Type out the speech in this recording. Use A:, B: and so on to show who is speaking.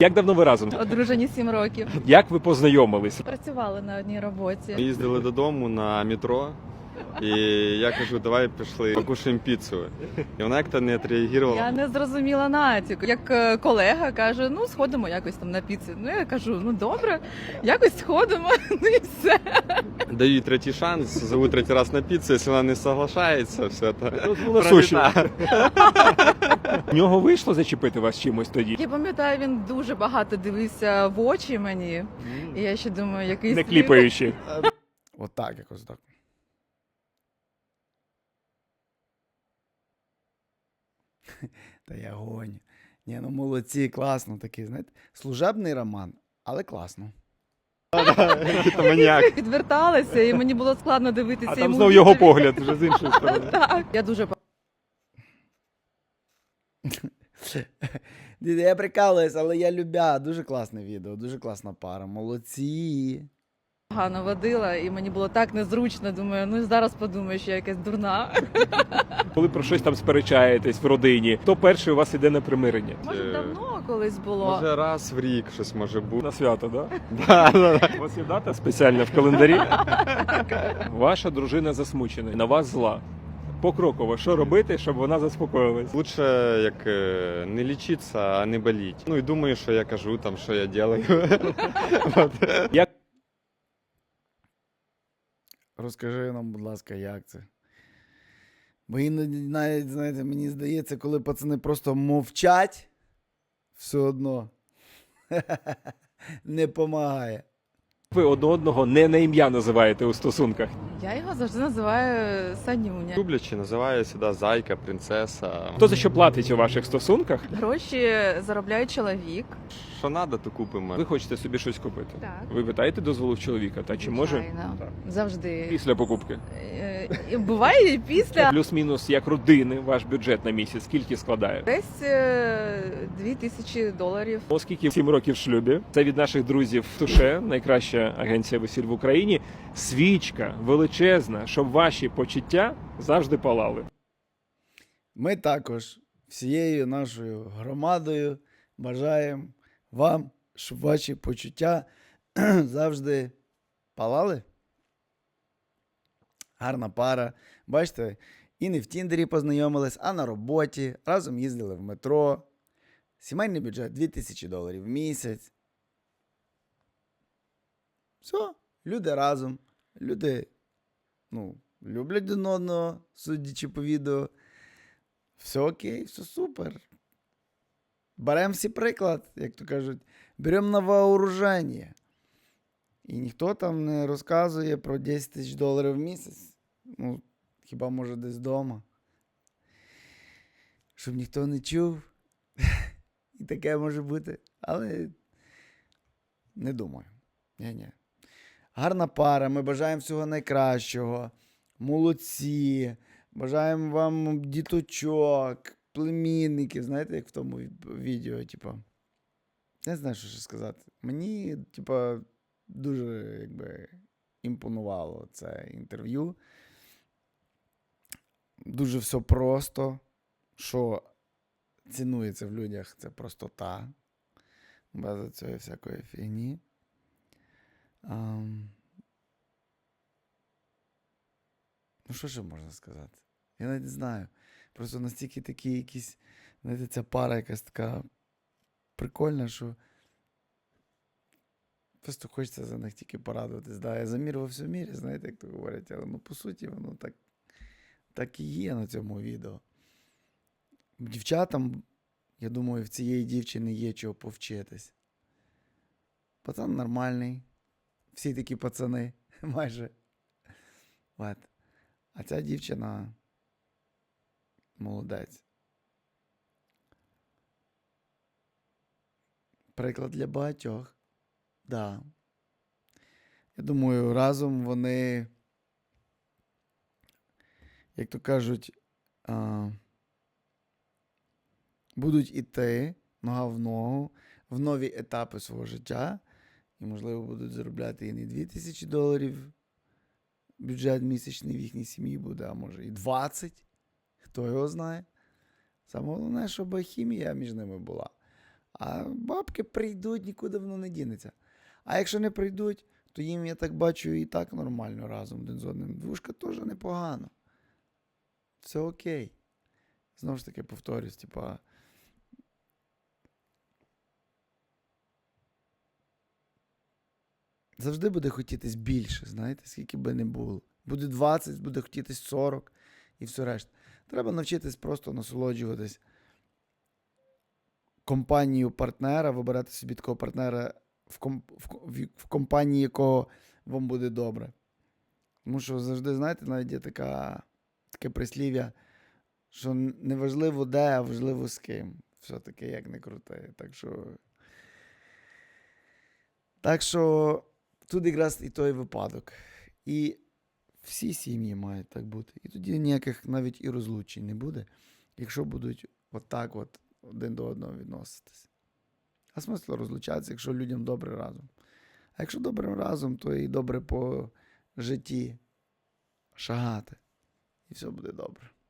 A: Як давно ви разом?
B: Одружені 7 років.
A: Як ви познайомились?
B: Працювали на одній роботі.
C: Ми їздили додому на метро, і я кажу, давай пішли, покушаємо піцу. І вона як-то не відреагувала.
B: Я не зрозуміла натяку. Як колега каже, ну сходимо якось там на піцу. Ну я кажу, ну добре, якось сходимо, ну і все.
C: Даю їй третій шанс, зову третій раз на піцу, якщо вона не соглашається, все це
A: Була суші. В нього вийшло зачепити вас чимось тоді?
B: Я пам'ятаю, він дуже багато дивився в очі мені. І я ще думаю, який
A: Не
B: світ.
A: кліпаючи.
D: Отак, якось так. Та я гоню. Ні, ну молодці, класно такий, знаєте, служебний роман, але класно.
C: Це маніяк.
B: Відверталася, і мені було складно дивитися
A: А там
B: йому
A: знов його
B: відповідь.
A: погляд вже з іншої сторони.
B: Так. Я дуже
D: Я прикалуюсь, але я любя. Дуже класне відео, дуже класна пара. Молодці.
B: погано водила, і мені було так незручно. Думаю, ну зараз подумаю, що я якась дурна.
A: Коли про щось там сперечаєтесь в родині, то перший у вас іде на примирення.
B: Може, давно колись було.
C: Може раз в рік щось може бути.
A: На свято, да?
C: Да.
A: У вас є дата спеціальна в календарі? Ваша дружина засмучена, на вас зла. Покроково, що робити, щоб вона заспокоїлась?
C: Лучше як не лічитися, а не боліть. Ну і думаю, що я кажу, там, що я делаю.
A: Як
D: Розкажи нам, будь ласка, як це? Бо іноді навіть, знаєте, мені здається, коли пацани просто мовчать, все одно не помагає.
A: ви одне одного не на ім'я називаєте у стосунках?
B: Я його завжди називаю Санюня.
C: Люблячи, називаю сюди зайка, принцеса.
A: Хто за що платить у ваших стосунках?
B: Гроші заробляє чоловік.
C: Що треба, то купимо.
A: Ви хочете собі щось купити?
B: Так.
A: Ви питаєте дозволу в чоловіка, та чи може
B: Звичайно. Завжди.
A: після покупки?
B: І буває і після.
A: Плюс-мінус як родини ваш бюджет на місяць скільки складає?
B: Десь $2000.
A: Оскільки 7 років в шлюбі, це від наших друзів Туше, найкраща агенція весіль в Україні, свічка величезна, щоб ваші почуття завжди палали.
D: Ми також всією нашою громадою бажаємо вам, щоб ваші почуття завжди палали. Гарна пара. Бачите, і не в Тіндері познайомились, а на роботі. Разом їздили в метро. Сімейний бюджет $2000 в місяць. Все, люди разом. Люди, люблять один одного, судячи по відео. Все окей, все супер. Беремо всі приклад, як то кажуть, беремо на вооруження. І ніхто там не розказує про $10 000 в місяць. Ну, хіба може десь вдома. Щоб ніхто не чув. І таке може бути. Але не думаю. Ні-ні. Гарна пара, ми бажаємо всього найкращого. Молодці. Бажаємо вам діточок, племінників. Знаєте, як в тому відео, типу. Не знаю, що ще сказати. Мені, дуже, імпонувало це інтерв'ю. Дуже все просто. Що цінується в людях, це простота. Без цієї всякої фігні. Ну, що ще можна сказати? Я навіть не знаю. Просто настільки такі якісь, знаєте, ця пара якась така прикольна, що просто хочеться за них тільки порадуватись. Да, я за мір во всьому мірі, знаєте, як то говорять, але по суті воно так і є на цьому відео. Дівчатам, я думаю, в цієї дівчини є чого повчитись. Пацан нормальний. Всі такі пацани, майже. От. А ця дівчина молодець. Приклад для багатьох. Да. Я думаю, разом вони, як то кажуть, будуть іти нога в ногу в нові етапи свого життя. І, можливо, будуть заробляти і не $2000 бюджет місячний в їхній сім'ї буде, а може і 20. Хто його знає. Саме головне, щоб хімія між ними була. А бабки прийдуть, нікуди воно не дінеться. А якщо не прийдуть, то їм, я так бачу, і так нормально разом один з одним. Двушка теж непогано. Все окей. Знову ж таки, повторюсь, типа. Завжди буде хотітись більше, знаєте, скільки би не було. Буде 20, буде хотітись 40 і все решта. Треба навчитись просто насолоджуватись компанією партнера, вибирати собі такого партнера, в компанії якого вам буде добре. Тому що завжди, знаєте, навіть є таке прислів'я, що не важливо де, а важливо з ким. Все-таки як не крути. Так що тут якраз і той випадок. І всі сім'ї мають так бути. І тоді ніяких навіть і розлучень не буде, якщо будуть отак от один до одного відноситись. А смисл розлучатися, якщо людям добре разом. А якщо добре разом, то і добре по житті шагати. І все буде добре.